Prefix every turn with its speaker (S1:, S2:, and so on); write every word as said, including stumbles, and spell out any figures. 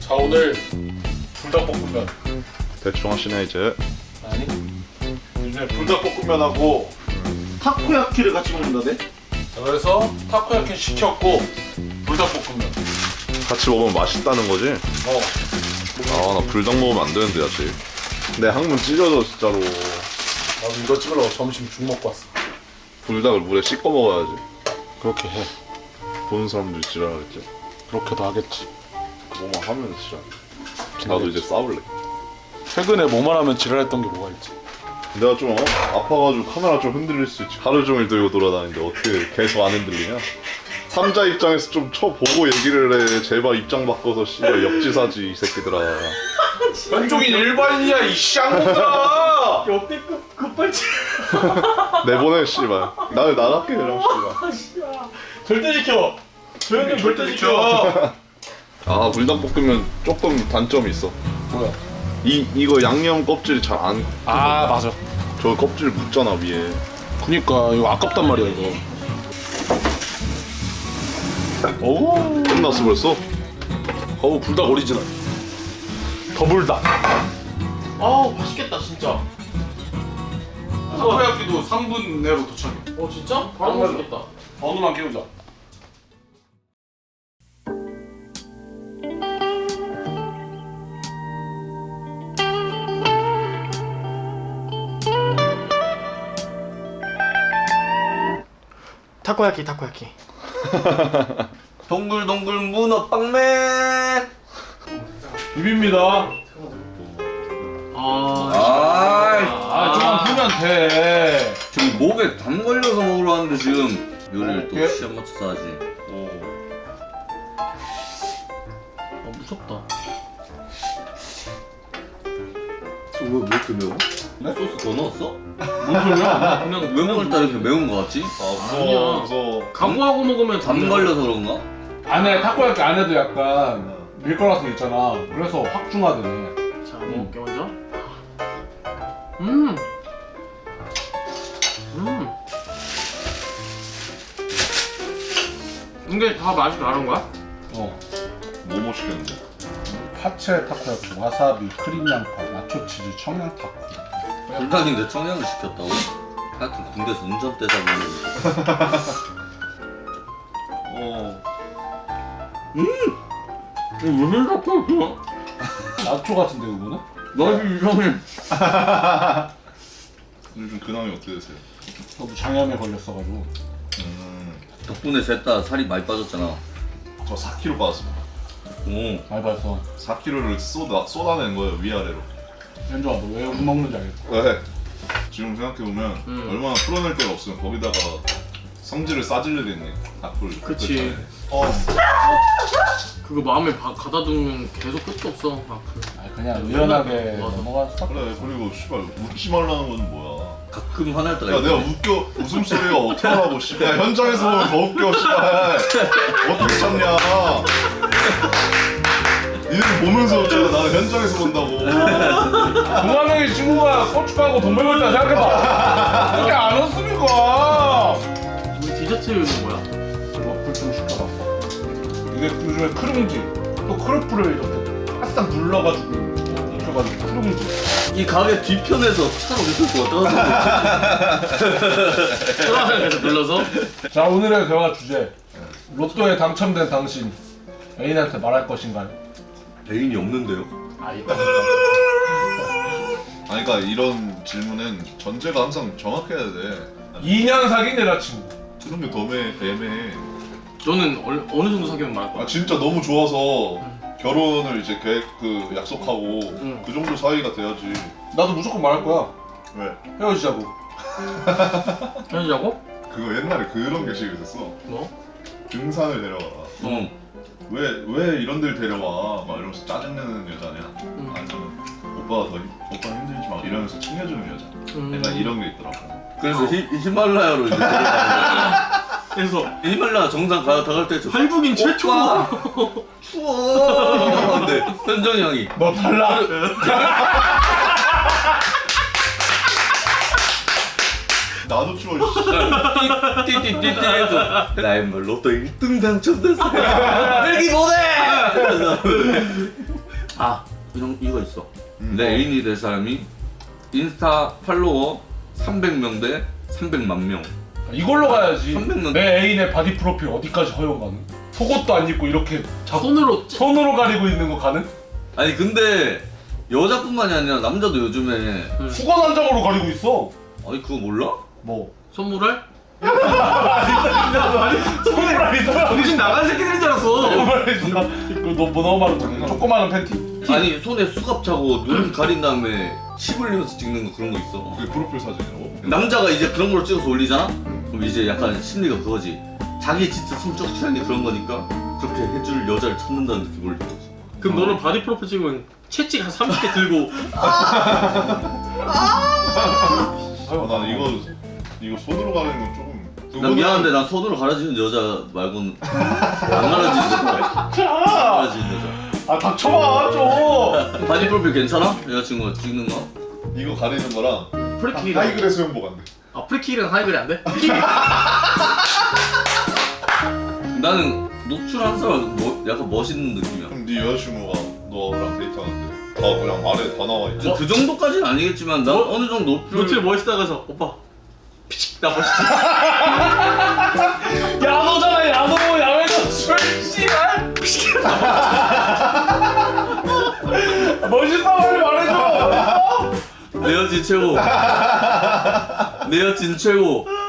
S1: 자, 오늘 불닭볶음면.
S2: 대충 하시네 이제.
S1: 아니, 요즘에 불닭볶음면하고 타코야키를 같이 먹는다네? 자, 그래서 타코야키 시켰고 불닭볶음면.
S2: 같이 먹으면 맛있다는 거지?
S1: 어.
S2: 아, 나 불닭 먹으면 안 되는데 아직. 내 항문 찢어져 진짜로.
S1: 나도 이거 찍으려고 점심 죽 먹고 왔어.
S2: 불닭을 물에 씻고 먹어야지.
S1: 그렇게 해.
S2: 보는 사람들이 지랄하겠지.
S1: 그렇게도 하겠지.
S2: 뭐만 하면 지랄. 나도 이제 싸울래.
S1: 최근에 뭐만 하면 지랄했던 게 뭐가 있지?
S2: 내가 좀 어? 아파가지고 카메라 좀 흔들릴 수 있지. 하루 종일 들고 돌아다니는데 어떻게 계속 안 흔들리냐? 삼자 입장에서 좀 쳐보고 얘기를 해. 제발 입장 바꿔서 씨발 역지사지 이 새끼들아.
S1: 현종인 일반인이야 이 쌍놈들아.
S3: 역대급 급발진.
S2: 내보내 씨발. 나를 나갈게 그냥 씨발.
S3: 절대 지켜. 조현님 절대 지켜.
S2: 아, 불닭볶음면 조금 단점이 있어.
S1: 뭐야?
S2: 이 이거 양념 껍질이 잘 안.
S1: 아, 맞아.
S2: 저 껍질 묻잖아 위에.
S1: 그니까 이거 아깝단 말이야 이거. 오,
S2: 끝났어 벌써?
S1: 어우 불닭 오리지널. 더불닭.
S3: 아우 맛있겠다 진짜.
S1: 타코야키도 삼 분 내로 도착해.
S3: 어 진짜? 바로
S1: 안
S3: 맛있겠다.
S1: 번호만 깨우자.
S3: 타코야키 타코야키.
S4: 동글동글 문어 빵맨.
S1: 비빕니다.
S3: 아.
S4: 아이,
S1: 아, 좀만 풀면 돼.
S4: 지금 목에 담 걸려서 먹으러 왔는데 지금 요리를 또
S1: 예?
S4: 시간 맞춰서 하지.
S3: 아 무섭다.
S4: 왜왜 이렇게 매워?
S1: 네?
S4: 소스 더 넣었어?
S1: 뭔 소리야?
S3: 그냥
S4: 왜 먹을때 이렇게 매운 거 같지?
S2: 아
S3: 아니야.
S2: 무서워 무서워.
S3: 각오하고 먹으면
S4: 담 걸려서 그런가?
S1: 안에 타코야키 안에도 약간 밀가루 있잖아. 그래서 확중하더네.
S3: 자 먹을게 먼저. 음. 음. 이게 다 맛이 다른 거야?
S1: 어.
S2: 뭐뭐 시켰는데?
S1: 파채 타코야키, 와사비, 크림 양파, 나초 치즈, 청양 타코.
S4: 불닭인데 청양을 시켰다고? 하여튼 군대에서 운전대 사고
S2: 어.
S3: 이거 무슨 타코야키야?
S1: 나초 같은데 그거는?
S3: 맛이 이상해.
S2: 요즘 근황이 어떻게 되세요?
S1: 저도 장염에 걸렸어가지고.
S2: 음.
S4: 덕분에 셋 다 살이 많이 빠졌잖아.
S2: 저 사 킬로그램 빠졌습니다.
S4: 오.
S1: 많이 봤어.
S2: 사 킬로그램을 쏟아 쏟아낸 거예요 위아래로.
S1: 현주아 너 왜 욕 먹는지 알겠어?
S2: 왜? 지금 생각해보면
S3: 음.
S2: 얼마나 풀어낼 데가 없으면 거기다가 성질을 싸질르겠네. 악플.
S3: 그치.
S2: 어.
S3: 그거 마음에 바, 가다두면 계속 끝도 없어. 앞으로.
S1: 아니 그냥 의연하게
S3: 맞아.
S1: 넘어갔어.
S2: 그래 그리고 씨발 웃지 말라는 건 뭐야?
S4: 가끔 화날 때가
S2: 야 내가
S4: 있거든.
S2: 웃겨 웃음소리가 어떻게 하고 씨발 야, 현장에서 보면 더 웃겨 씨발 어떻게 참냐? 니들 보면서 웃잖아. 나는 현장에서 본다고.
S1: 동화명의 친구가 고춧가루 돈 벌고 있다 생각해봐. 그렇게 안 웃습니까?
S3: 우리 디저트 뭐야?
S1: 와플 좀 시켜봐. 이게 요즘에 크룽지 또 크로플을 이렇게 바싹 눌러가지고 익혀가지고 크룽지.
S4: 이 가게 뒤편에서 차로 있을 거 어떡하지?
S3: 초라하게 눌러서?
S1: 자 오늘의 대화 주제 로또에 당첨된 당신 애인한테 말할 것인가요?
S4: 애인이 없는데요?
S1: 아 있다.
S2: 아니 그러니까 이런 질문은 전제가 항상 정확해야 돼.
S1: 이 년 사귄 여자친구.
S2: 그런 게 더 애매해.
S3: 너는 어느, 어느 정도 사귀면 말할 거야?
S2: 아 진짜 너무 좋아서 결혼을 이제 계획 그 약속하고
S3: 응.
S2: 그 정도 사이가 돼야지.
S1: 나도 무조건 말할 거야.
S2: 왜?
S1: 헤어지자고.
S3: 헤어지자고?
S2: 그거 옛날에 그런 게시가 있었어.
S3: 뭐?
S2: 등산을 데려가라.
S4: 응.
S2: 왜, 왜 이런 데를 데려와? 막 이러면서 짜증내는 여자냐?
S3: 응.
S2: 아니면 오빠가 더 힘, 오빠 힘들지 마 이러면서 챙겨주는 여자.
S3: 음.
S2: 약간 이런 게 있더라고.
S4: 그래서 히, 히말라야로 이제 데려가는
S3: 그래서
S4: 거야. 히말라야 정상 가, 다 갈 때 저
S3: 할북인 최초.
S4: 오빠 추워 이러는데 현정이 형이
S1: 너 달라.
S2: 나도 추워.
S4: 띠띠띠띠 해서 나의 뭐 로또 일 등 당첨됐어. 일기 보내! 아 이런 이거 있어.
S2: 음.
S4: 내 애인이 될 사람이 인스타 팔로워 삼백 명 대 삼백만 명.
S1: 이걸로 가야지.
S4: 삼백 명.
S1: 내 애인의 바디 프로필 어디까지 허용 가능? 속옷도 안 입고 이렇게 자,
S3: 손으로 찌-
S1: 손으로 가리고 있는 거 가능?
S4: 아니 근데 여자뿐만이 아니라 남자도 요즘에
S3: 응.
S1: 수건 한 장으로 가리고 있어.
S4: 아니 그거 몰라?
S1: 뭐?
S3: 선물할?
S1: 손으로 가리잖아.
S3: 정신 나간 새끼들인 줄 알았어.
S1: 그너뭐 너무 말은 거네. 조그마한 팬티.
S4: 아니 손에 수갑 차고 눈 가린 다음에 침 흘리면서 찍는 거 그런 거 있어.
S2: 그게 프로필 사진이라고?
S4: 남자가 이제 그런 걸 찍어서 올리잖아? 그럼 이제 약간 심리가 그거지. 자기 진짜 성적 취향이 그런 거니까 그렇게 해줄 여자를 찾는다는 느낌을 올리는 거지.
S3: 그럼 너는 바디 프로필 찍으면 채찍 한 삼십 개 들고
S2: 아, 난 이거 이거 손으로 가리는 건 조금.
S4: 난 미안한데 난 손으로 가려지는 여자 말고는 안 가려지는 여자. 안 가려지는 여자.
S1: 아 닥쳐봐 좀.
S4: 바디 프로필 괜찮아? 여자친구가 찍는 거?
S2: 이거 가리는 거랑
S3: 프리킥이랑
S2: 하이그레 수영복 안 돼.
S3: 아 프리킥이랑 하이글이 안 돼?
S4: 나는 노출한 사람 뭐, 약간 멋있는 느낌이야.
S2: 그럼 네 여자친구가 너랑 데이트하는데 다 그냥 아래 다 나와 있지.
S4: 그 정도까지는 아니겠지만 나
S3: 뭐?
S4: 어느 정도 노출
S3: 노출 멋있다 가서 오빠 피식 나 멋있지?
S1: 야노잖아 야노 야외 노출 씨발. 멋있어 빨리 말해줘.
S4: 내 여친 최고. 내 여친 최고.